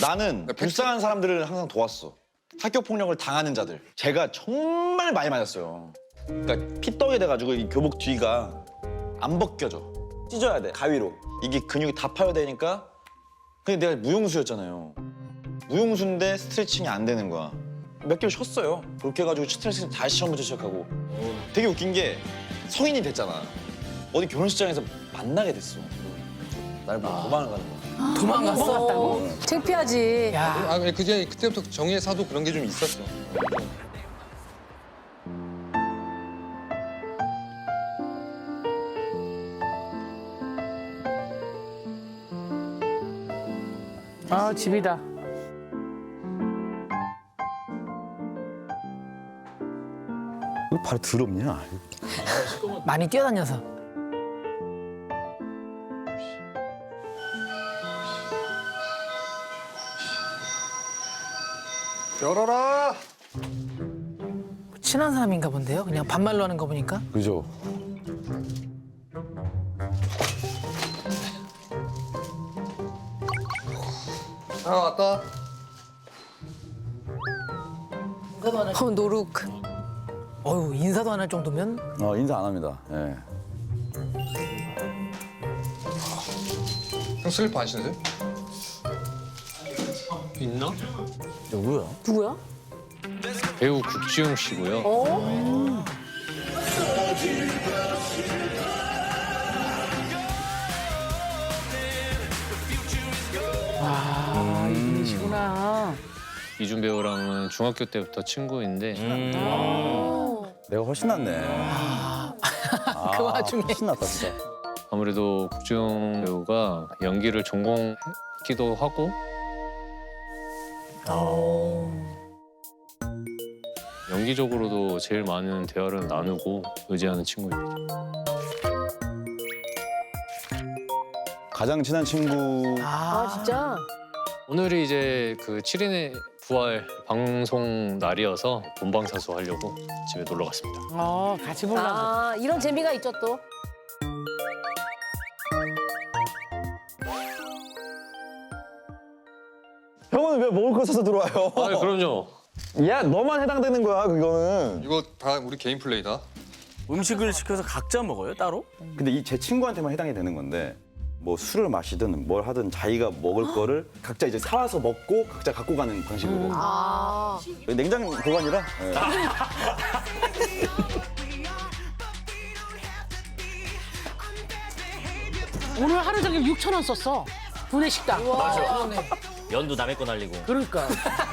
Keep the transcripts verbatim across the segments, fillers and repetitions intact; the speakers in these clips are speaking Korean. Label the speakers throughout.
Speaker 1: 나는 불쌍한 사람들을 항상 도왔어. 학교 폭력을 당하는 자들. 제가 정말 많이 맞았어요. 그러니까 피떡이 돼가지고 이 교복 뒤가 안 벗겨져. 찢어야 돼, 가위로. 이게 근육이 다 파열되니까. 근데 내가 무용수였잖아요. 무용수인데 스트레칭이 안 되는 거야. 몇 개월 쉬었어요. 그렇게 해가지고 스트레칭 다시 처음부터 시작하고. 되게 웃긴 게 성인이 됐잖아. 어디 결혼식장에서 만나게 됐어. 날 보고 도망을 가는 거야.
Speaker 2: 도망갔어.
Speaker 3: 창피하지.
Speaker 2: 야,
Speaker 4: 아, 그제 그때부터 정의의 사도 그런 게 좀 있었어.
Speaker 2: 아 집이다.
Speaker 5: 왜 발이 더럽냐?
Speaker 2: 많이 뛰어다녀서.
Speaker 4: 열어라.
Speaker 2: 친한 사람인가 본데요. 그냥 반말로 하는 거 보니까.
Speaker 5: 그죠?
Speaker 4: 아, 왔다.
Speaker 3: 어, 노룩.
Speaker 2: 어유 인사도 안 할 정도면.
Speaker 5: 어, 인사 안 합니다. 예.
Speaker 4: 형 슬리퍼 안 신으세요?
Speaker 6: 있나?
Speaker 5: 누구야?
Speaker 3: 누구야?
Speaker 6: 배우 국지용 씨고요.
Speaker 2: 아 이분이시구나.
Speaker 6: 이준 배우랑은 중학교 때부터 친구인데
Speaker 5: 내가 훨씬 낫네.
Speaker 2: 그 와중에.
Speaker 5: 훨씬 낫다, 진짜.
Speaker 6: 아무래도 국지용 배우가 연기를 전공했기도 하고 연기적으로도 제일 많은 대화를 나누고 의지하는 친구입니다.
Speaker 5: 가장 친한 친구.
Speaker 3: 아, 진짜?
Speaker 6: 오늘이 이제 그 칠 인의 부활 방송 날이어서 본방사수 하려고 집에 놀러 갔습니다.
Speaker 2: 어 같이 보려고.
Speaker 3: 아, 이런 재미가 있죠, 또.
Speaker 1: 형은 왜 먹을 거 사서 들어와요?
Speaker 6: 아, 그럼요.
Speaker 1: 야, 너만 해당되는 거야, 그거는.
Speaker 4: 이거 다 우리 개인 플레이다.
Speaker 7: 음식을 시켜서 각자 먹어요, 따로?
Speaker 5: 근데 이 제 친구한테만 해당이 되는 건데 뭐 술을 마시든 뭘 하든 자기가 먹을 거를 각자 이제 사와서 먹고 각자 갖고 가는 방식으로.
Speaker 3: 아.
Speaker 5: 냉장 보관이라. 예.
Speaker 8: 오늘 하루 종일 육천 원 썼어. 분해 식당.
Speaker 2: 그러네.
Speaker 7: 연도 남의 거 날리고.
Speaker 8: 그러니까.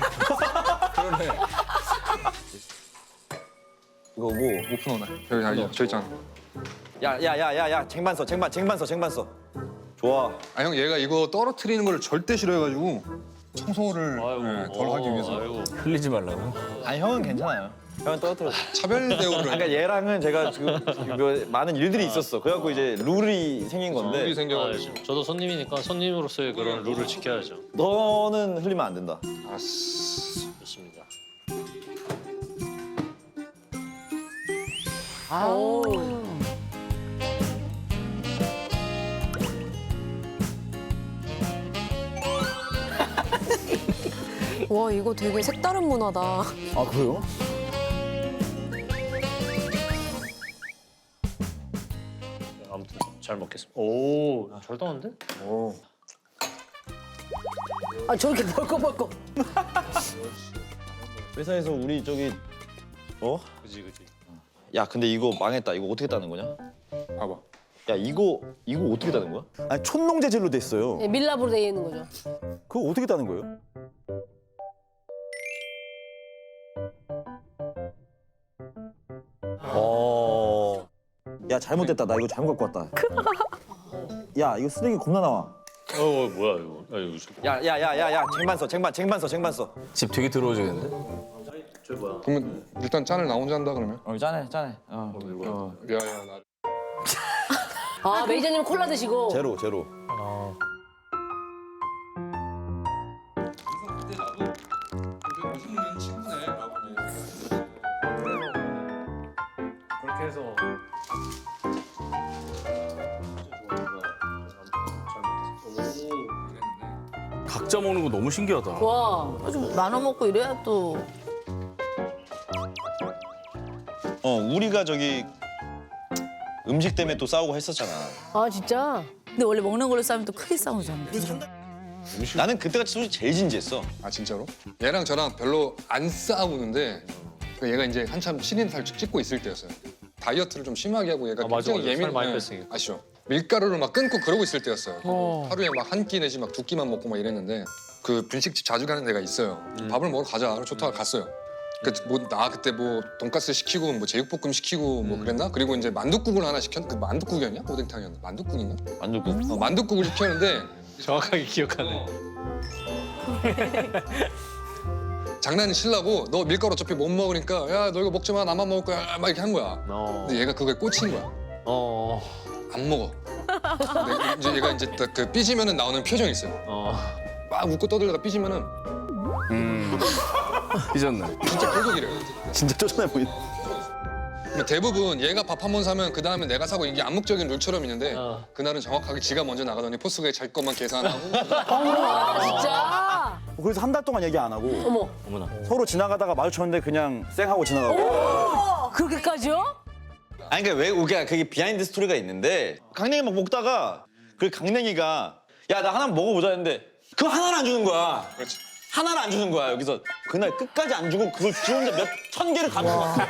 Speaker 1: 이거 뭐.
Speaker 4: 오픈 오나. 여기 아니 저 있잖아.
Speaker 1: 야, 야, 야, 야, 야, 쟁반 써, 쟁반, 쟁반 써, 쟁반 써. 좋아.
Speaker 4: 아, 형 얘가 이거 떨어뜨리는 걸 절대 싫어해가지고 청소를 예, 덜 하기 위해서
Speaker 6: 아이고.
Speaker 7: 흘리지 말라고.
Speaker 1: 아니, 형은 괜찮아요. 형은 떨어뜨려.
Speaker 4: 차별 대우를.
Speaker 1: 그러니까 얘랑은 제가 지금 그 많은 일들이 있었어. 그래갖고 이제 룰이 생긴
Speaker 4: 룰이
Speaker 1: 건데
Speaker 6: 아,
Speaker 4: 생겨가지고.
Speaker 6: 저도 손님이니까 손님으로서의 그런 룰을 지켜야죠.
Speaker 1: 너는 흘리면 안 된다.
Speaker 4: 아스.
Speaker 6: 좋습니다.
Speaker 3: 오. 와, 이거 되게 색다른 문화다.
Speaker 5: 아, 그래요?
Speaker 6: 아무튼 잘 먹겠습니다. 오, 잘 따는데?
Speaker 1: 오.
Speaker 2: 아 저렇게 벌컥벌컥.
Speaker 1: 회사에서 우리 저기 어?
Speaker 6: 그지 그지.
Speaker 1: 야, 근데 이거 망했다. 이거 어떻게 따는 거냐?
Speaker 4: 봐봐.
Speaker 1: 야, 이거 이거 어떻게 따는 거야?
Speaker 5: 아니, 촌농 재질로 돼 있어요.
Speaker 3: 예, 밀랍으로 되어 있는 거죠.
Speaker 5: 그거 어떻게 따는 거예요?
Speaker 1: 어. 야, 잘못됐다. 나 이거 잘못 갖고 왔다. 야, 이거 쓰레기 겁나 나와.
Speaker 6: 어, 뭐야 이거? 아, 이거 좀-
Speaker 1: 야, 야, 야, 야, 야, 쟁반 써, 쟁반, 쟁반 써, 쟁반 써.
Speaker 7: 집 되게 더러워지겠는데?
Speaker 4: 그러면 일단 짠을 나 혼자 한다 그러면?
Speaker 1: 어, 짠해, 짠해. 어. 어.
Speaker 4: 야야 나.
Speaker 3: 아, 매니저님 콜라 드시고.
Speaker 1: 제로, 제로.
Speaker 6: 그렇게 해서
Speaker 7: 각자 먹는 거 너무 신기하다.
Speaker 3: 와.
Speaker 2: 좀 나눠 먹고 이래야 또.
Speaker 1: 어 우리가 저기 음식 때문에 또 싸우고 했었잖아.
Speaker 3: 아 진짜?
Speaker 2: 근데 원래 먹는 걸로 싸우면 또 크게 싸우잖아.
Speaker 1: 나는 그때가 솔직히 제일 진지했어.
Speaker 4: 아 진짜로? 얘랑 저랑 별로 안 싸우는데 그 얘가 이제 한참 신인 살 찍고 있을 때였어요. 다이어트를 좀 심하게 하고 얘가
Speaker 6: 아, 맞아,
Speaker 4: 굉장히
Speaker 6: 맞아. 살 많이
Speaker 4: 예,
Speaker 6: 뺐으니까.
Speaker 4: 아시죠? 밀가루를 막 끊고 그러고 있을 때였어요.
Speaker 8: 어.
Speaker 4: 하루에 막 한 끼 내지 막 두 끼만 먹고 막 이랬는데 그 분식집 자주 가는 데가 있어요. 밥을 먹으러 가자. 좋다 갔어요. 그뭐나 그때 뭐 돈가스 시키고 뭐 제육볶음 시키고 뭐 그랬나? 그리고 이제 만둣국을 하나 시켰. 그 만둣국이었냐? 오뎅탕이었나? 만둣국인가?
Speaker 1: 만두국.
Speaker 4: 어, 만둣국을 시켰는데
Speaker 6: 정확하게 기억하네.
Speaker 4: 장난이 치려고 너 밀가루 어차피 못 먹으니까 야 너 이거 먹지 마 나만 먹을 거야 막 이렇게 한 거야.
Speaker 6: 어.
Speaker 4: 근데 얘가 그거에 꽂힌 거야.
Speaker 6: 어.
Speaker 4: 안 먹어. 근데 이제 얘가 이제 딱 그 삐지면은 나오는 표정이 있어요.
Speaker 6: 어.
Speaker 4: 막 웃고 떠들다가 삐지면은
Speaker 7: 음. 잊었네.
Speaker 4: 진짜 계속 이래요.
Speaker 5: 진짜 쫓아내 보이네.
Speaker 4: 근데 대부분 얘가 밥 한 번 사면 그 다음에 내가 사고 이게 암묵적인 룰처럼 있는데
Speaker 6: 어.
Speaker 4: 그날은 정확하게 지가 먼저 나가더니 포스가 자기 것만 계산하고
Speaker 3: 아 진짜?
Speaker 5: 그래서 한 달 동안 얘기 안 하고
Speaker 3: 어머.
Speaker 7: 어머나.
Speaker 5: 서로 지나가다가 마주쳤는데 그냥 쌩하고 지나가고.
Speaker 3: 그렇게까지요?
Speaker 1: 아니 그러니까 왜 우리가 그게 비하인드 스토리가 있는데 강냉이 막 먹다가 그 강냉이가 야 나 하나 먹어보자 했는데 그거 하나를 안 주는 거야.
Speaker 4: 그렇지.
Speaker 1: 하나를 안 주는 거야. 여기서 그날 끝까지 안 주고 그걸 지 혼자 몇 천 개를 가지고 왔어.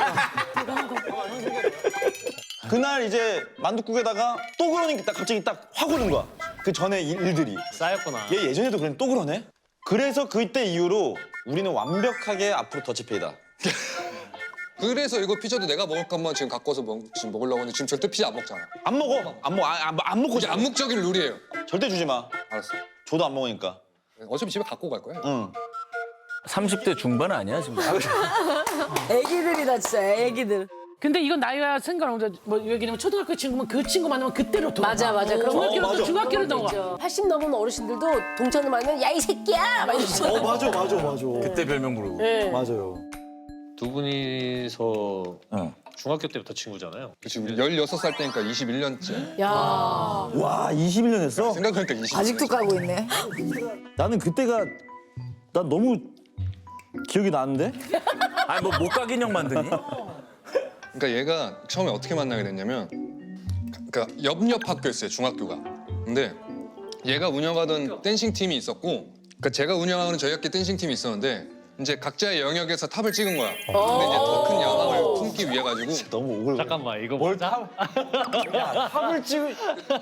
Speaker 1: 그날 이제 만둣국에다가 또 그러니까 딱 갑자기 딱 확 오는 거야. 그 전에 일- 일들이.
Speaker 6: 쌓였구나.
Speaker 1: 얘 예전에도 그랬는데 또 그러네? 그래서 그때 이후로 우리는 완벽하게 앞으로 더치페이다.
Speaker 4: 그래서 이거 피자도 내가 먹을 것만 지금 갖고 와서 먹, 지금 먹으려고 하는데 지금 절대 피자 안 먹잖아.
Speaker 1: 안 먹어. 안 먹어. 안, 안, 안 먹고
Speaker 4: 이게
Speaker 1: 싶어.
Speaker 4: 암묵적인 룰이에요.
Speaker 1: 절대 주지 마.
Speaker 4: 알았어.
Speaker 1: 줘도 안 먹으니까.
Speaker 4: 어차피 집에 갖고 갈 거야.
Speaker 1: 응.
Speaker 7: 삼십 대 중반 아니야 지금?
Speaker 2: 애기들이다 진짜 애기들.
Speaker 8: 근데 이건 나이가 상관없어. 뭐 여기는 초등학교 친구면 그 친구 만나면 그때로 돌아.
Speaker 3: 맞아 맞아. 그런 거
Speaker 8: 중학교로 또
Speaker 1: 맞아.
Speaker 8: 중학교로 넘어가.
Speaker 3: 있죠. 팔십 넘은 어르신들도 동창을 만나면 야 이 새끼야 막 이러죠.
Speaker 5: 어 맞아 맞아 맞아.
Speaker 7: 그때 별명 부르고.
Speaker 3: 네.
Speaker 5: 맞아요.
Speaker 6: 두 분이서
Speaker 1: 어.
Speaker 6: 중학교 때부터 친구잖아요.
Speaker 4: 그치, 우리 열여섯 살 때니까 이십일 년째.
Speaker 3: 야.
Speaker 5: 와 이십일 년 했어?
Speaker 4: 생각하니까 이십.
Speaker 2: 아직도 까고 있네.
Speaker 5: 나는 그때가 난 너무 기억이 나는데?
Speaker 7: 아니 뭐 못가 인형 만드니?
Speaker 4: 그러니까 얘가 처음에 어떻게 만나게 됐냐면, 그러니까 옆옆 학교였어요 중학교가. 근데 얘가 운영하던 댄싱 팀이 있었고, 그러니까 제가 운영하는 저희 학교 댄싱 팀이 있었는데 이제 각자의 영역에서 탑을 찍은 거야. 근데 이제 더 큰 야망을 품기 위해 가지고
Speaker 1: 너무 오글.
Speaker 6: 잠깐만 이거 뭘 다?
Speaker 1: 탑을 찍을.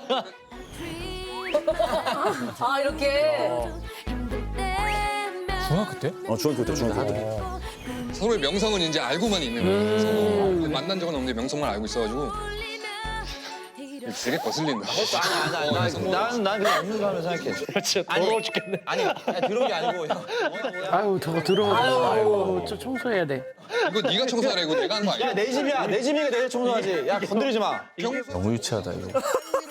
Speaker 3: 아 이렇게.
Speaker 7: 중학교 때?
Speaker 5: 어 중학교 때 중학교 때.
Speaker 4: 서로의 명성은 이제 알고만 있는 거야. 서로 만난 적은 없는데 명성만 알고 있어가지고 되게 거슬린다.
Speaker 1: 아니 아니 아니. 난, 난 그냥 없는 사람을 생각해.
Speaker 6: 진짜 더러워 죽겠네.
Speaker 1: 아니 야, 들어온 게 아니고 형.
Speaker 8: 아유 저거 들어오고. 아유 저 청소해야 돼.
Speaker 4: 이거 네가 청소하라 이거 내가 하는 거 아니야?
Speaker 1: 야 내 집이야. 내 집이니까 내가 청소하지. 야 건드리지 마.
Speaker 7: 너무 유치하다 이거.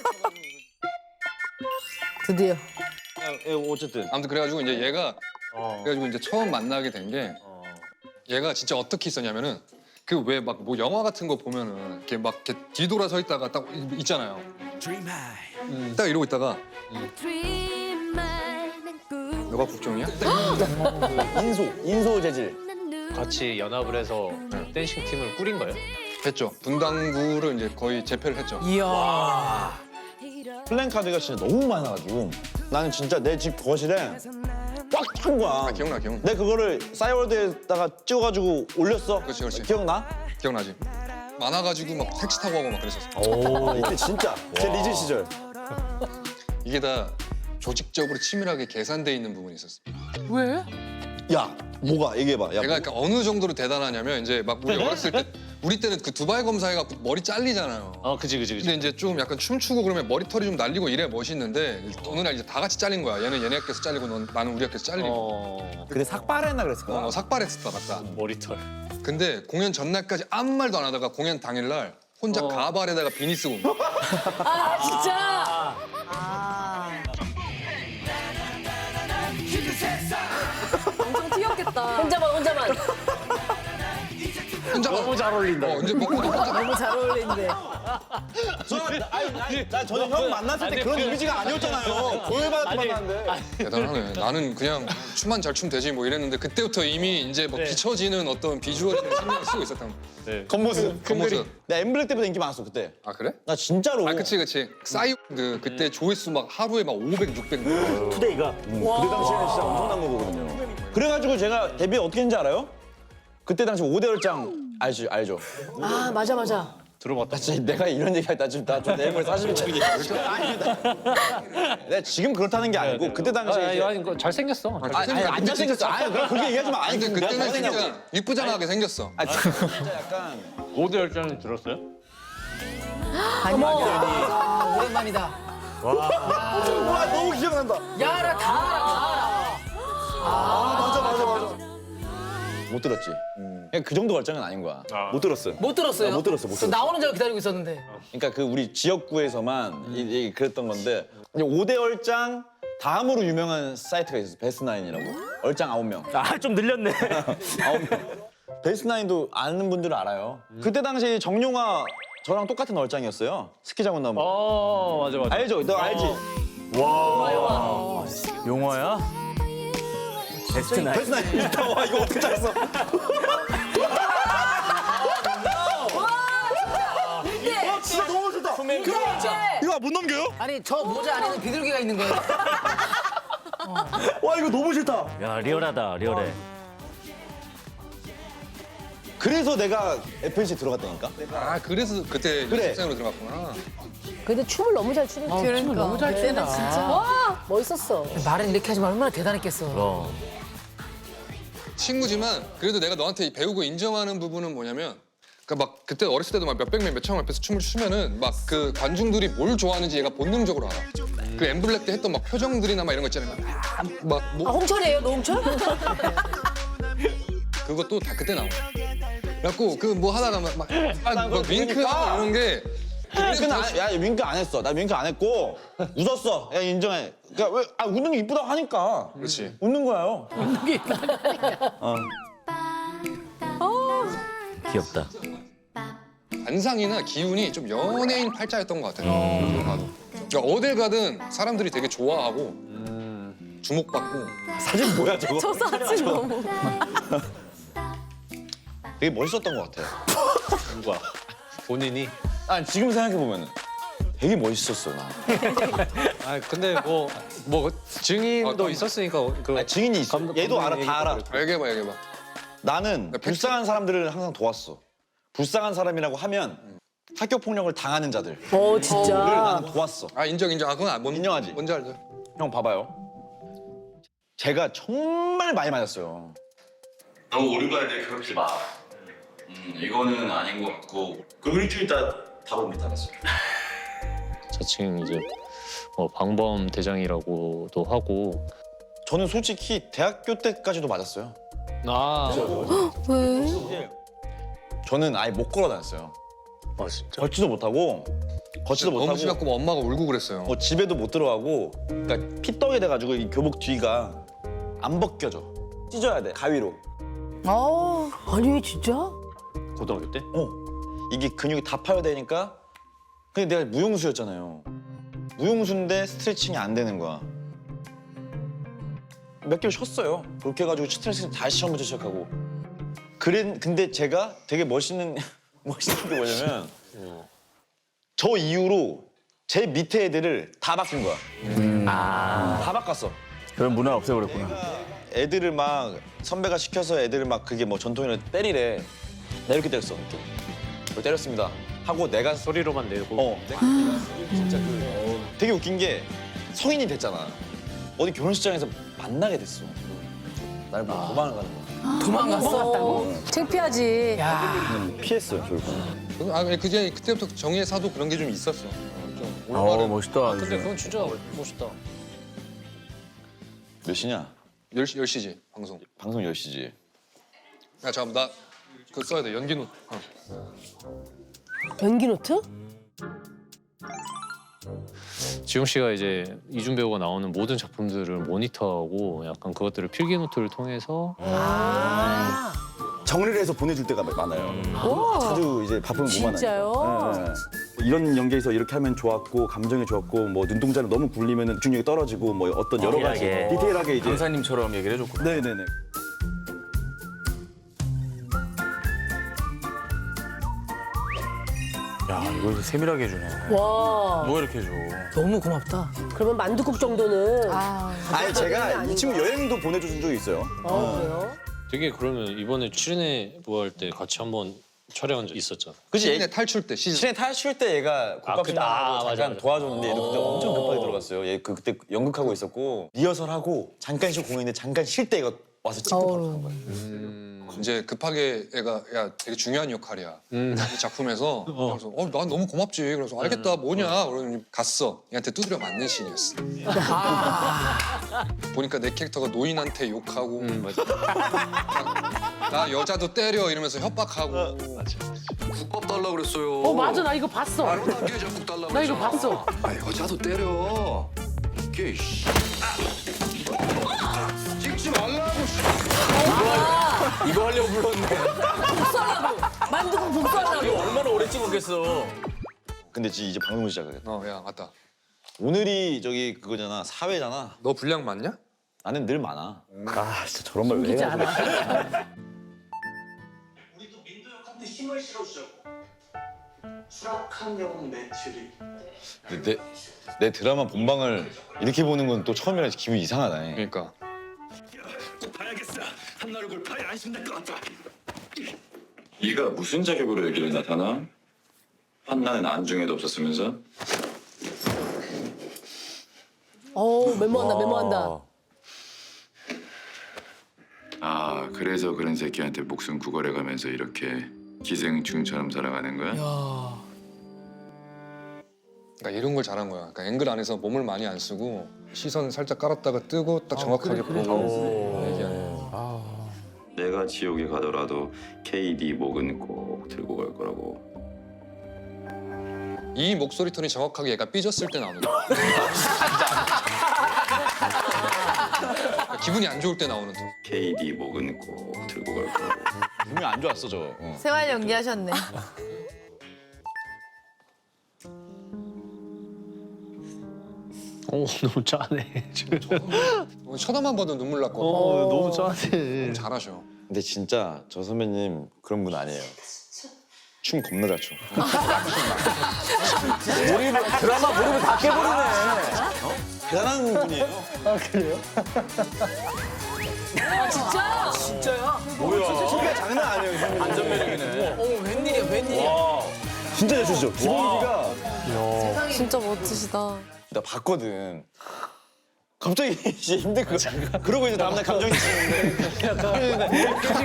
Speaker 2: 드디어.
Speaker 1: 야, 야, 어쨌든.
Speaker 4: 아무튼 그래가지고 이제 얘가
Speaker 6: 어.
Speaker 4: 그래가지고 이제 처음 만나게 된 게
Speaker 6: 어.
Speaker 4: 얘가 진짜 어떻게 있었냐면은 그 왜 막 뭐 영화 같은 거 보면은 이렇게 막 이렇게 뒤돌아 서 있다가 딱 있잖아요. 음, 딱 이러고 있다가 너가 국정이야?
Speaker 1: 인소 인소 재질.
Speaker 6: 같이 연합을 해서 댄싱 팀을 꾸린 거예요?
Speaker 4: 했죠. 분당구를 이제 거의 재패를 했죠.
Speaker 2: 이야.
Speaker 1: 플랜카드가 진짜 너무 많아가지고 나는 진짜 내 집 거실에 꽉 찬 거야.
Speaker 4: 아, 기억나 기억나.
Speaker 1: 내 그거를 싸이월드에다가 찍어가지고 올렸어.
Speaker 4: 그렇지, 그렇지.
Speaker 1: 기억나?
Speaker 4: 기억나지? 많아가지고 막 택시 타고 가고 막 그랬었어.
Speaker 5: 오 이때 진짜 제 리즈 시절.
Speaker 4: 이게 다 조직적으로 치밀하게 계산돼 있는 부분이 있었어.
Speaker 8: 왜?
Speaker 1: 야 뭐가 얘기해봐. 야,
Speaker 4: 얘가 그러니까 어느 정도로 대단하냐면 이제 막 우리 어렸을 때 우리 때는 그 두바이 검사해갖고 머리 잘리잖아요.
Speaker 6: 어 그지 그지
Speaker 4: 근데
Speaker 6: 그지.
Speaker 4: 이제 좀 약간 춤추고 그러면 머리털이 좀 날리고 이래 멋있는데 어느 날 이제 다 같이 잘린 거야. 얘는 얘네 학교에서 잘리고 넌, 나는 우리 학교에서 잘리고.
Speaker 6: 어
Speaker 1: 그때 삭발했나 그랬을 거야.
Speaker 4: 어, 삭발했었다 맞다.
Speaker 6: 머리털.
Speaker 4: 근데 공연 전날까지 아무 말도 안 하다가 공연 당일날 혼자
Speaker 6: 어.
Speaker 4: 가발에다가 비니 쓰고 온 거야.
Speaker 3: 아 진짜. 엄청 튀었겠다. 혼자만 혼자만.
Speaker 4: 혼자
Speaker 6: 너무 잘 어울린다.
Speaker 4: 어, 이제 먹고 혼자
Speaker 2: 너무 잘 어울리는데.
Speaker 1: 저는 아니, 아니, 나 저는 형 만났을 때 그런 이미지가 아니었잖아요. 조회받았 만났는데.
Speaker 4: 대단하네. 나는 그냥 춤만 잘 추면 되지 뭐 이랬는데 그때부터 이미 이제 뭐
Speaker 6: 네.
Speaker 4: 비춰지는 어떤 비주얼에 대해 신경을 쓰고 있었단 말이야.
Speaker 6: 네.
Speaker 1: 겉모습.
Speaker 4: 겉모습.
Speaker 1: 나 엠블랙 때보다 인기 많았어 그때.
Speaker 4: 아 그래?
Speaker 1: 나 진짜로.
Speaker 4: 아 그치 그치. 싸이드 그때 조회수 막 하루에 막 오백, 육백.
Speaker 5: 투데이가 그때 당시에는 진짜 엄청난 거거든요.
Speaker 1: 그래가지고 제가 데뷔 어떻게 했는지 알아요? 그때 당시 오 대 열장 알지 알죠?
Speaker 3: 아 맞아 맞아.
Speaker 6: 들어봤다.
Speaker 1: 나 진짜 내가 이런 얘기할 때좀 나좀 내물 사실 좀 아니다. 내가 지금 그렇다는 게 아니고 그때 당시에
Speaker 6: 아,
Speaker 1: 이제-
Speaker 6: 아니, 이거 잘생겼어.
Speaker 1: 아니, 아니 안 잘생겼어. 아니 그럼 그렇게 얘기하지 마. 아니
Speaker 4: 근데
Speaker 1: 내가
Speaker 4: 그때는
Speaker 1: 잘생겼냐고.
Speaker 4: 진짜 이쁘장하게 생겼어.
Speaker 1: 아 진짜 약간
Speaker 6: 오 대 열전은 들었어요?
Speaker 2: 어머. 오랜만이다.
Speaker 1: 와 너무 기억난다.
Speaker 2: 야라 다 알아 다 알아.
Speaker 1: 아 맞아 맞아 맞아. 못 들었지. 그냥 그 정도 결정은 아닌 거야.
Speaker 5: 못 들었어요.
Speaker 2: 못 들었어요?
Speaker 5: 아, 못 들었어, 못
Speaker 2: 저
Speaker 5: 들었어.
Speaker 2: 나오는 줄 기다리고 있었는데.
Speaker 1: 그러니까 그 우리 지역구에서만 이, 이 그랬던 건데 오 대 열장 다음으로 유명한 사이트가 있었어. 베스트나인이라고. 얼짱 아홉 명.
Speaker 7: 아 좀 늘렸네.
Speaker 1: 아홉 명. 베스트나인도 아는 분들은 알아요. 그때 당시 정용화 저랑 똑같은 얼짱이었어요. 스키장원 나무.
Speaker 6: 어, 맞아, 맞아.
Speaker 1: 알죠? 너 알지?
Speaker 7: 용화야? 베스트 나이.
Speaker 1: 베스트나인 있다. 와 이거 어떻게 잘했어? 와 진짜 너무 좋다. 이거 못 넘겨요?
Speaker 2: 아니 저 모자 안에는 비둘기가 있는 거예요.
Speaker 1: 와 이거 너무 싫다.
Speaker 7: 야 리얼하다 리얼해.
Speaker 1: 그래서 내가 에프엔씨 들어갔다니까.
Speaker 4: 아 그래서 그때
Speaker 1: 그래.
Speaker 4: 연습생으로 들어갔구나.
Speaker 3: 근데 춤을 너무 잘 추는 거.
Speaker 2: 그러니까.
Speaker 8: 너무 잘 춘다.
Speaker 3: 와 멋있었어.
Speaker 2: 말은 이렇게 하지만 얼마나 대단했겠어.
Speaker 7: 어.
Speaker 4: 친구지만 그래도 내가 너한테 배우고 인정하는 부분은 뭐냐면 그러니까 막 그때 어렸을 때도 막 몇백 명, 몇천 명 앞에서 춤을 추면은 막 그 관중들이 뭘 좋아하는지 얘가 본능적으로 알아. 그 엠블랙 때 했던 막 표정들이나 막 이런 거 있잖아요. 막
Speaker 3: 아
Speaker 4: 뭐
Speaker 3: 홍철이에요 노홍철?
Speaker 4: 그것도 다 그때 나온 거야. 그래갖고 그 뭐 하다가 막, 막, 아, 막 윙크하고 이런 게
Speaker 1: 윙크는 안, 야 윙크 안 했어. 나 윙크 안 했고 웃었어. 야 인정해. 그러니까 왜 아, 웃는 게 이쁘다고 하니까.
Speaker 4: 그렇지.
Speaker 1: 웃는 거예요.
Speaker 7: 귀엽다.
Speaker 4: 관상이나 기운이 좀 연예인 팔자였던 것 같아요. 어딜 가도. 그러니까 어딜 가든 사람들이 되게 좋아하고 주목받고
Speaker 1: 사진 뭐야 저거?
Speaker 3: 저 사진 너무.
Speaker 1: 되게 멋있었던 것 같아요.
Speaker 6: 누가? 본인이?
Speaker 1: 아 지금 생각해 보면 되게 멋있었어 나.
Speaker 6: 아, 근데 뭐, 뭐, 증인도
Speaker 4: 어,
Speaker 6: 있었으니까. 그
Speaker 1: 아, 증인이 있어.
Speaker 6: 감독-
Speaker 1: 얘도 알아,
Speaker 6: 감독님
Speaker 1: 다 알아.
Speaker 6: 얘기도
Speaker 4: 얘기해봐 얘기해봐.
Speaker 1: 나는 불쌍한 사람들을 항상 도왔어. 불쌍한 사람이라고 하면 학교 폭력을 당하는 자들을
Speaker 3: 어 진짜.
Speaker 1: 나는 도왔어.
Speaker 4: 아 인정 인정. 아 그건 아, 뭔,
Speaker 1: 인정하지?
Speaker 4: 뭔지 알죠.
Speaker 1: 형 봐봐요. 제가 정말 많이 맞았어요.
Speaker 5: 너무 어른가에 괴롭히지 마. 음, 이거는 아닌 것 같고. 그리고 일주일 있다 답을 못 알았어요.
Speaker 6: 자칭 이제 뭐 방범 대장이라고도 하고.
Speaker 1: 저는 솔직히 대학교 때까지도 맞았어요.
Speaker 6: 아,
Speaker 1: 저는 아예 못 걸어 다녔어요.
Speaker 6: 아 진짜?
Speaker 1: 걷지도 못하고 걷지도
Speaker 4: 너무
Speaker 1: 못하고
Speaker 4: 심했고 뭐 엄마가 울고 그랬어요.
Speaker 1: 뭐 집에도 못 들어가고 그러니까 피떡이 돼가지고 이 교복 뒤가 안 벗겨져. 찢어야 돼 가위로.
Speaker 2: 어.
Speaker 3: 아니 진짜?
Speaker 6: 고등학교 때?
Speaker 1: 어 이게 근육이 다 파열되니까. 근데 내가 무용수였잖아요. 무용수인데 스트레칭이 안 되는 거야. 몇 개월 쉬었어요. 그렇게 해가지고 스트레칭 다시 처음부터 시작하고. 그래 근데 제가 되게 멋있는 멋있는 게 뭐냐면 저 이후로 제 밑에 애들을 다 바꾼 거야. 다 바꿨어.
Speaker 7: 그런 문화 없애버렸구나.
Speaker 1: 애들을 막 선배가 시켜서 애들을 막 그게 뭐 전통이라 때리래. 나 이렇게 때렸어. 이렇게. 그걸 때렸습니다. 하고 내가
Speaker 6: 소리로만 내고.
Speaker 1: 어 내가 진짜 그 되게 웃긴 게 성인이 됐잖아. 어디 결혼식장에서 만나게 됐어. 날 보고 도망을 가는 거야.
Speaker 2: 도망갔어.
Speaker 3: 창피하지.
Speaker 2: 야.
Speaker 5: 피했어요, 결국.
Speaker 4: 아 그제 그때부터 정의의 사도 그런 게 좀 있었어. 어, 좀
Speaker 7: 어
Speaker 4: 올바른.
Speaker 7: 멋있다.
Speaker 6: 근데 그건 진짜 멋있다.
Speaker 1: 몇 시냐?
Speaker 4: 열 시, 열 시지 방송.
Speaker 1: 방송 열 시지.
Speaker 4: 야 잠깐 나 그거 써야 돼 연기 노트. 어.
Speaker 3: 연기 노트?
Speaker 6: 지용 씨가 이제 이준 배우가 나오는 모든 작품들을 모니터하고 약간 그것들을 필기 노트를 통해서
Speaker 3: 아.
Speaker 5: 정리를 해서 보내줄 때가 많아요. 자주 이제 바쁘면 못 만나요.
Speaker 3: 진짜요?
Speaker 5: 이런 연기에서 이렇게 하면 좋았고 감정이 좋았고 뭐 눈동자를 너무 굴리면 집중력이 떨어지고 뭐 어떤 여러 가지
Speaker 7: 디테일하게.
Speaker 5: 디테일하게 이제
Speaker 7: 강사님처럼 얘기를 해줬구나.
Speaker 5: 네네네.
Speaker 7: 야, 이걸 세밀하게 해주네.
Speaker 3: 와.
Speaker 7: 뭐 이렇게 해줘.
Speaker 2: 너무 고맙다.
Speaker 3: 그러면 만두국 정도는.
Speaker 2: 아,
Speaker 5: 아니 제가 이 친구 여행도 보내준 적이 있어요.
Speaker 3: 어, 그래요?
Speaker 6: 되게 그러면 이번에 출연해 부활 때 같이 한번 촬영한 적 있었잖아.
Speaker 1: 그치?
Speaker 4: 시즌에 탈출 때 시즌.
Speaker 1: 시내 탈출 때 얘가
Speaker 6: 아,
Speaker 1: 국밥
Speaker 6: 그-
Speaker 1: 아,
Speaker 6: 아,
Speaker 1: 하고
Speaker 6: 맞아,
Speaker 1: 잠깐
Speaker 6: 맞아.
Speaker 1: 도와줬는데 얘도 그때 엄청 급하게 들어갔어요. 얘 그, 그때 연극하고 있었고 리허설하고 잠깐 쉬고 공연인데 잠깐 쉴 때 얘가 와서 찍고 바로 간 거예요.
Speaker 4: 이제 급하게 애가 야 되게 중요한 역할이야 이 작품에서 그래서 어 난 너무 고맙지 그래서 알겠다 뭐냐 그러더니 갔어 얘한테 두드려 맞는 씬이었어 보니까 내 캐릭터가 노인한테 욕하고
Speaker 6: 음, 맞아.
Speaker 4: 나 여자도 때려 이러면서 협박하고
Speaker 9: 국밥 달라 그랬어요.
Speaker 8: 어 맞아 나 이거 봤어.
Speaker 9: 말도 안 되게 국밥 달라
Speaker 8: 나 이거
Speaker 9: 그랬잖아.
Speaker 8: 봤어.
Speaker 9: 아 여자도 때려. 이게 씨. 찍지 말라고.
Speaker 7: 이거 하려고 불렀네.
Speaker 3: 만두국 복수하려고.
Speaker 7: 이거 얼마나 오래 찍었겠어.
Speaker 1: 근데 지- 이제 방송 시작해.
Speaker 4: 어야 맞다
Speaker 1: 오늘이 저기 그거잖아 사회잖아.
Speaker 4: 너 분량 맞냐?
Speaker 1: 나는 늘 많아.
Speaker 5: 아 진짜 저런 말 왜
Speaker 8: 웃기지
Speaker 5: 해야 돼?
Speaker 8: 않아?
Speaker 10: 우리도 민도역한테 힘을 실어주자고. 수락한 영웅 매출이.
Speaker 1: 근데 내, 내 드라마 본방을 이렇게 보는 건 또 처음이라 기분이 이상하네.
Speaker 4: 그러니까
Speaker 10: 봐야겠어. 한 얼굴 봐야 안심될 것 같아.
Speaker 11: 네가 무슨 자격으로 여기를 나타나? 한나는 안중에도 없었으면서?
Speaker 3: 어 메모한다 메모한다.
Speaker 11: 아 그래서 그런 새끼한테 목숨 구걸해가면서 이렇게 기생충처럼 살아가는 거야?
Speaker 4: 그러니까 이런 걸 잘한 거야 그러니까 앵글 안에서 몸을 많이 안 쓰고 시선 살짝 깔았다가 뜨고 딱 정확하게 보고 얘기하는 거야.
Speaker 11: 내가 지옥에 가더라도 케이디 목은 꼭 들고 갈 거라고.
Speaker 4: 이 목소리 톤이 정확하게 얘가 삐졌을 때 나오는 거야. 기분이 안 좋을 때 나오는 톤.
Speaker 11: 케이디 목은 꼭 들고 갈 거라고.
Speaker 1: 분명 안 좋았어 저. 어.
Speaker 2: 생활 연기하셨네.
Speaker 6: 오 너무 짜네.
Speaker 4: 어, 쳐다만 봐도 눈물 났거든.
Speaker 6: 어 너무 짜네.
Speaker 4: 잘하셔.
Speaker 1: 근데 진짜 저 선배님 그런 분 아니에요. 춤 겁나 잘 춰.
Speaker 5: 드라마 모르면 다 깨버리네.
Speaker 1: 대단한 분이에요.
Speaker 3: 아 진짜?
Speaker 5: 소리가 장난 아니에요. 선배님.
Speaker 7: 안전매력이네.
Speaker 2: 어, 웬일이야, 웬일이야.
Speaker 5: 진짜 잘 추시죠. 기본기가
Speaker 2: 진짜 멋지시다.
Speaker 1: 나 봤거든. 갑자기 이제 힘든 거. 그러고 이제 다음날 감정이 치는데.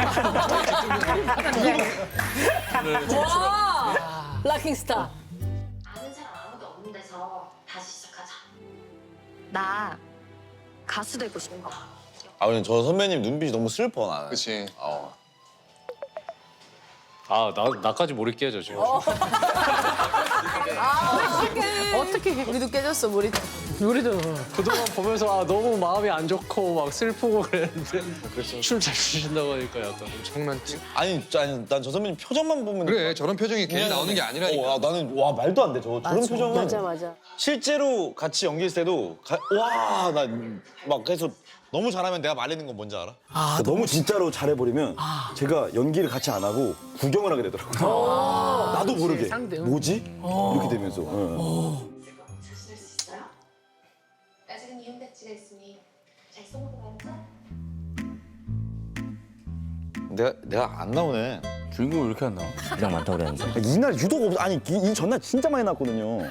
Speaker 3: 와. 락킹스타.
Speaker 12: 아는 사람 아무도 없는 데서 다시 시작하자.
Speaker 13: 나 가수 되고 싶은 거.
Speaker 1: 아 근데 저 선배님 눈빛이 너무 슬퍼 나는.
Speaker 4: 그치.
Speaker 1: 어.
Speaker 6: 아나 나까지 몰입 깨져 지금.
Speaker 2: 어떻게 우리도 깨졌어, 우리.
Speaker 6: 우리도 그동안 보면서 아 너무 마음이 안 좋고 막 슬프고 그랬는데 춤 잘 추신다고 하니까 약간
Speaker 4: 장난치?
Speaker 1: 아니, 아니 난 저 선배님 표정만 보면
Speaker 4: 그래 저런 표정이 괜히 나오는 게 아니라니까.
Speaker 1: 어, 아, 나는 와 말도 안 돼. 저 저런 표정은
Speaker 3: 맞아 맞아.
Speaker 1: 실제로 같이 연기했을 때도 와 나 막 그래서 너무 잘하면 내가 말리는 건 뭔지 알아?
Speaker 5: 그러니까 너무 진짜로 잘해버리면 제가 연기를 같이 안 하고 구경을 하게 되더라고요. 나도 모르게
Speaker 8: 상대.
Speaker 5: 뭐지? 이렇게 되면서. 예.
Speaker 12: 자신할 수 있어요? 아직은 현대치가 있으니 잘 써먹어 봐야죠.
Speaker 1: 내가 내가 안 나오네.
Speaker 7: 주인공이 왜 이렇게 안 나와?
Speaker 5: 그냥 많다고 그랬는데. 이날 유독 없 아니 이, 이 전날 진짜 많이 나왔거든요.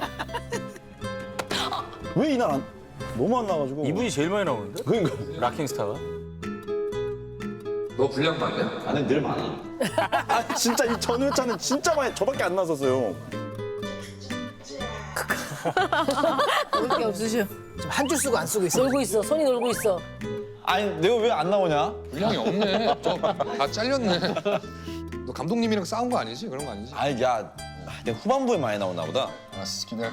Speaker 5: 왜 이날 안 너무 안 나와가지고.
Speaker 7: 이분이 제일 많이 나오는데?
Speaker 5: 그러니까.
Speaker 7: 락킹스타가?
Speaker 4: 너 분량 맞냐?
Speaker 1: 나는 늘 많아.
Speaker 5: 아 진짜 이 전 회차는 진짜 많이 저밖에 안 나섰어요.
Speaker 2: 그럴 게 없으셔. 지금 한 줄 쓰고 안 쓰고 있어.
Speaker 3: 놀고 있어. 손이 놀고 있어.
Speaker 1: 아니 내가 왜 안 나오냐?
Speaker 4: 분량이 없네. 저다 잘렸네. 너 감독님이랑 싸운 거 아니지? 그런 거 아니지?
Speaker 1: 아니 야 내가 후반부에 많이 나오나 보다.
Speaker 4: 알았어 기다려.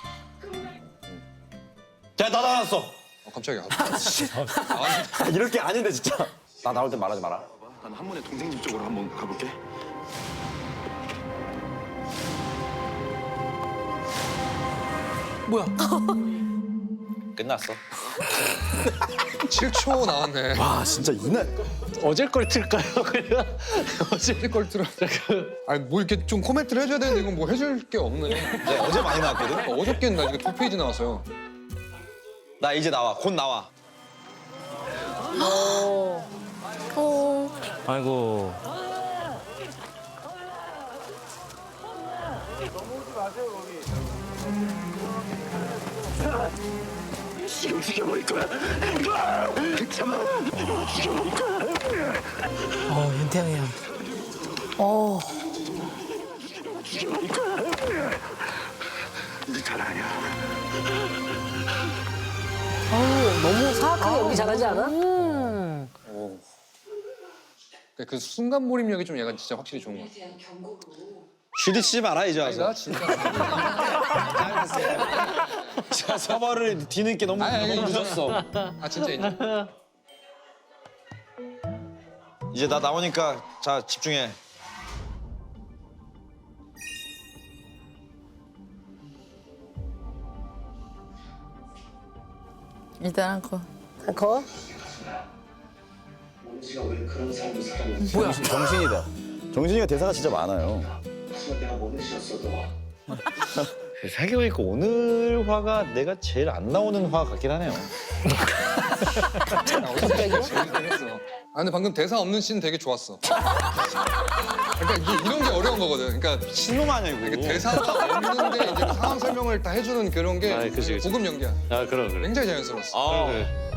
Speaker 1: 야 나 나왔어.
Speaker 4: 어, 깜짝이야.
Speaker 5: 아, 이럴 게 아닌데 진짜.
Speaker 1: 나 나올 때 말하지 마라.
Speaker 9: 난 한문의 동생 집 쪽으로 한번 가볼게.
Speaker 2: 뭐야?
Speaker 1: 끝났어.
Speaker 4: 칠 초 나왔네.
Speaker 5: 와 진짜 이날
Speaker 6: 어제 걸 틀까요? 그냥 어제
Speaker 4: 어제 걸 들어. 아니 뭐 이렇게 좀 코멘트를 해줘야 되는데 이건 뭐 해줄 게 없네.
Speaker 1: 네, 어제 많이 나왔거든.
Speaker 4: 어저께는 나 지금 두 페이지 나왔어요.
Speaker 1: 나 이제 나와. 곧 나와.
Speaker 7: 아이고.
Speaker 9: 지금 죽여버릴 거야. 참아. 죽여버릴 거야.
Speaker 2: 어, 윤태영이야. 어.
Speaker 9: 죽여버릴 거야. 네 자랑이야.
Speaker 3: 어우, 너무 사악하게 연기 잘하지 않아?
Speaker 4: 그 순간 몰입력이 좀 얘가 진짜 확실히 좋은 것 같아.
Speaker 1: 슈리 씨 마라 이제
Speaker 4: 아니 나
Speaker 1: 와서.
Speaker 4: 진짜.
Speaker 1: 자, 서버를 뒤늦게 너무,
Speaker 4: 아니, 아니,
Speaker 1: 너무
Speaker 4: 아니.
Speaker 1: 늦었어.
Speaker 4: 아 진짜 인정.
Speaker 1: 이제 나 나오니까 자 집중해.
Speaker 2: 일단 한 거.
Speaker 3: 거?
Speaker 2: 뭐야?
Speaker 5: 정신이다. 정신이가 대사가 진짜 많아요.
Speaker 1: 생각해보니까 오늘 화가 내가 제일 안 나오는 화 같긴 하네요.
Speaker 4: 갑자기요? 아 근데 방금 대사 없는 씬 되게 좋았어. 그러니까 이게 이런 게 어려운 거거든. 그러니까
Speaker 1: 신놈 아니야 이거.
Speaker 4: 이게 대사가 없는데 이제 그 상황 설명을 다 해주는 그런 게
Speaker 6: 아, 그치, 그치.
Speaker 4: 고급 연기야.
Speaker 6: 아 그럼 그래.
Speaker 4: 굉장히 자연스러웠어.
Speaker 1: 아,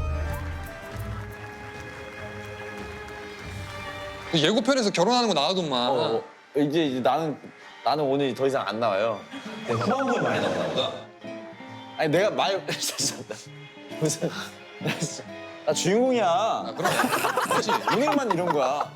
Speaker 4: 예고편에서 결혼하는 거 나와도만.
Speaker 1: 어, 이제, 이제 나는 나는 오늘 더 이상 안 나와요. 후반부에 많이 나오나 보다. 아니 내가 말 무슨 나 주인공이야.
Speaker 4: 아, 그럼. 그렇지.
Speaker 1: 은행만 이런 거야.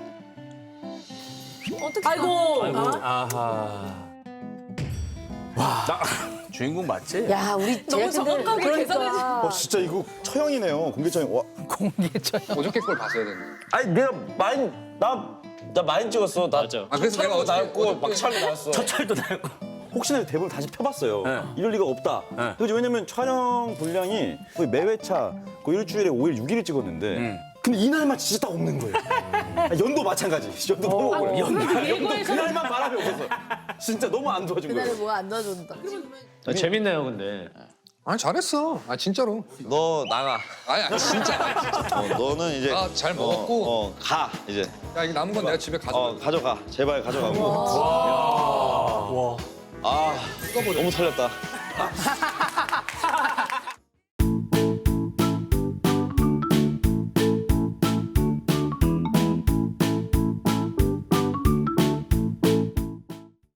Speaker 3: 아이고.
Speaker 7: 아하. 와. 나 주인공 맞지?
Speaker 3: 야, 우리 제작진들 그러니까.
Speaker 5: 어 진짜 이거 처형이네요. 공개처형. 와.
Speaker 2: 공개처.
Speaker 4: 어저께 걸 봤어야 되는데.
Speaker 1: 아니 내가 많이 나나 많이 찍었어. 나
Speaker 5: 맞아.
Speaker 4: 아 그래서 내가 어저께
Speaker 1: 나왔고 막차도 나왔어.
Speaker 7: 첫 차례도 나고.
Speaker 5: 혹시나 대본을 다시 펴봤어요.
Speaker 7: 네.
Speaker 5: 이럴 리가 없다.
Speaker 7: 네.
Speaker 5: 그죠? 왜냐면 촬영 분량이 거의 매 회차 거의 일주일에 오 일, 육 일을 찍었는데
Speaker 7: 음.
Speaker 5: 근데 이날만 진짜 딱 없는 거예요. 아, 연도 마찬가지. 연도 너무 억울해. 연도, 연도 그날만 바람이 없어서 진짜 너무 안 도와준 거예요.
Speaker 2: 뭐가 안 도와준다.
Speaker 6: 아, 재밌네요 근데.
Speaker 4: 아니 잘했어. 아 진짜로.
Speaker 1: 너 나가.
Speaker 4: 아니 아니 진짜.
Speaker 1: 어, 너는 이제
Speaker 4: 아, 잘 먹었고.
Speaker 1: 어, 어, 가 이제.
Speaker 4: 야 이거 남은 건 내가 집에 가져가.
Speaker 1: 어 가져가. 제발 가져가고.
Speaker 7: 와.
Speaker 1: 아 너무 털렸다.